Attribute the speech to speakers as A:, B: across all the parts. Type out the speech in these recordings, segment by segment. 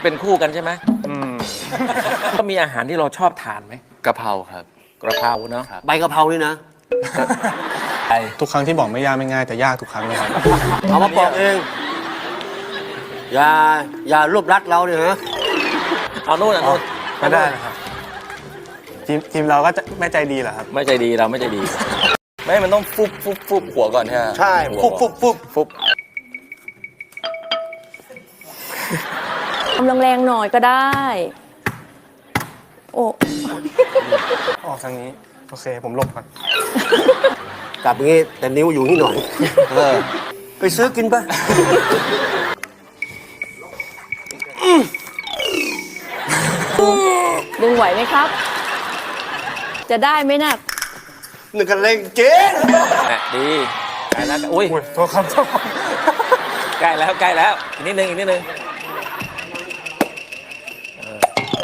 A: เป็นคู่กันใช่ไหมก็มีอาหารที่เราชอบทานไหม
B: กะเพราครับ
A: กระเพราเนาะ
C: ใบกะเพรานี่นะ
D: ทุกครั้งที่บอกไม่ยากไม่ง่ายแต่ยากทุกครั้งเลยครับ
C: เอามาปอกเอง อย่ารวบรัดเราเนี่ยฮะ
A: เอาโน่นเอาโน่น
D: ไม่ได้นะครับทีมเราก็จะไม่ใจดีเหรอครับ
A: ไม่ใจดีเราไม่ใจดี
B: ไม่มันต้องฟุบหัวก่อนใช่ไหม
C: ใช่ฟุบ
E: ทำแรงๆหน่อยก็ได้ โอ้
D: ออกทางนี้ โอเค ผมหลบก่อน
C: กลับอย่างงี้แต่นิ้วอยู่นี่หน่อยไปซื้อกินปะ
E: ดึงไหวไหมครับ จะได้ไหมนะ
C: หนึ่งกันเล่งเจ๊
A: ดีใกล้แล้วอุ้ย
D: โทษครับ
A: ใกล้แล้วใกล้แล้วอีกนิดนึงอีกนิดนึงโอ้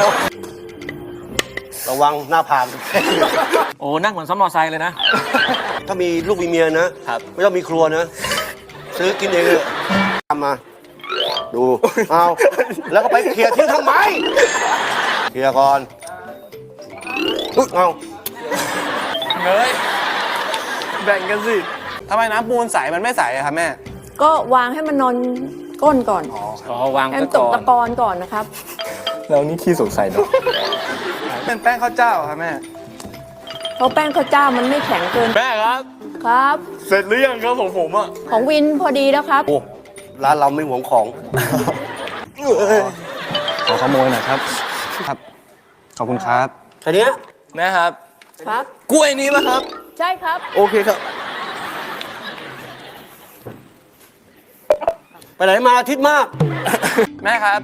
C: ระวังหน้าผาก
A: โอ้นั่งเหมือนซ้อมมอไซค์เลยนะ
C: ถ้ามีลูกมีเมียนะไม่ต้องมีครัวนะ ซื้อกินเองเลยทำมา ดูเอาแล้วก็ไปเคลียร์ทิ้งทำไมเคลียร์ก่อนเอา
D: เฮ้ย แบ่งกันสิทำไมน้ำปูนใสมันไม่ใสอะครับแม่
E: ก็วางให้มันนอนก้นก่อน
A: อ๋อวาง
E: ให้
A: ไว้
E: มันต
A: ก่
E: ก
A: อน
E: ตะกอนก่อนนะครับ
D: แล้วนี่ขี้สงสัยเนาะเป็นแป้งข้าวเจ้าครับแม่
E: เพราะแป้งข้าวเจ้ามันไม่แข็งเกิน
D: แม่ครับ
E: ครับ
D: เสร็จหรือยังครับผมอ่ะ
E: ของวินพอดีแล้วครับ
C: โอ้ร้านเราไม่หวงของ
D: ขอขโมยหน่อยครับ ครับ ขอบคุณครับ
C: แค่เนี้ย
B: แม่ครับ
E: ครับ
B: กล้วยนี้ป่ะครับ
E: ใช่ครับ
C: โอเคครับ ไปไหนมาอาทิตย์มาก
D: แม่ครับ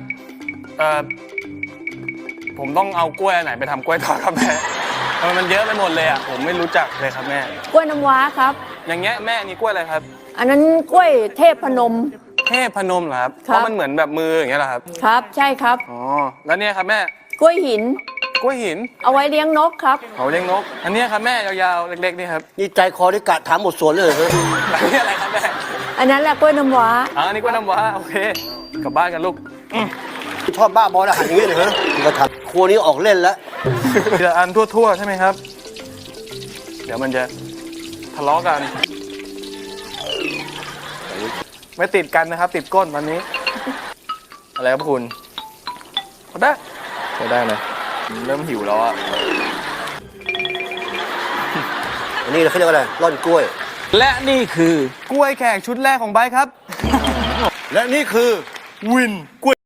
D: ผมต้องเอากล้วยอันไหนไปทำกล้วยทอดครับแม่ทำไมมันเยอะไปหมดเลยอ่ะ ผมไม่รู้จักเลยครับแม่
E: กล้วยน้ำว้าครับ
D: อย่างเงี้ยแม่อันนี้กล้วยอะไรครับ
E: อันนั้นกล้วยเทพพนม
D: เทพพนมเหรอครับ
E: ค
D: เพ
E: รับ
D: ราะมันเหมือนแบบมืออย่างเงี้ยเหรอครับ
E: ครับ ใช่ครับ
D: อ๋อ แล้วเนี่ยครับแม่
E: กล้วยหิน
D: กล้วยหิน
E: เอาไว้เลี้ยงนกครับ
D: เขาเลี้ยงนก อันเนี้ยครับแม่ยาวๆ เล็กๆนี่ครับ
C: นี่ใจคอได้กะถามหมดสวนเลยเหรอ
D: แล้วนี่อะไรครับแม่
E: อันนั้นแหละกล้วยน้ำว้า
D: อ๋ออันนี้กล้วยน้ำว้าโอเค กลับบ้านกันลูก
C: ชอบบ้าบออาหารอย่างนี้เลยเหรอก็ทำครัวนี้ออกเล่นแล้ว
D: ทีละอันทั่วๆ ใช่ไหมครับ เดี๋ยวมันจะทะเลาะกัน ไม่ติดกันนะครับ ติดก้นวันนี้ อะไรครับคุณก็ได้ก็ได้นะเริ่มหิวแล้วอะ
C: อันนี้เขาเรียกว่าอะไร ร่อนกล้วย
A: และนี่คือก
D: ล้วยแขกชุดแรกของไบค์ครับ
C: และนี่คือ
D: วินกล้วย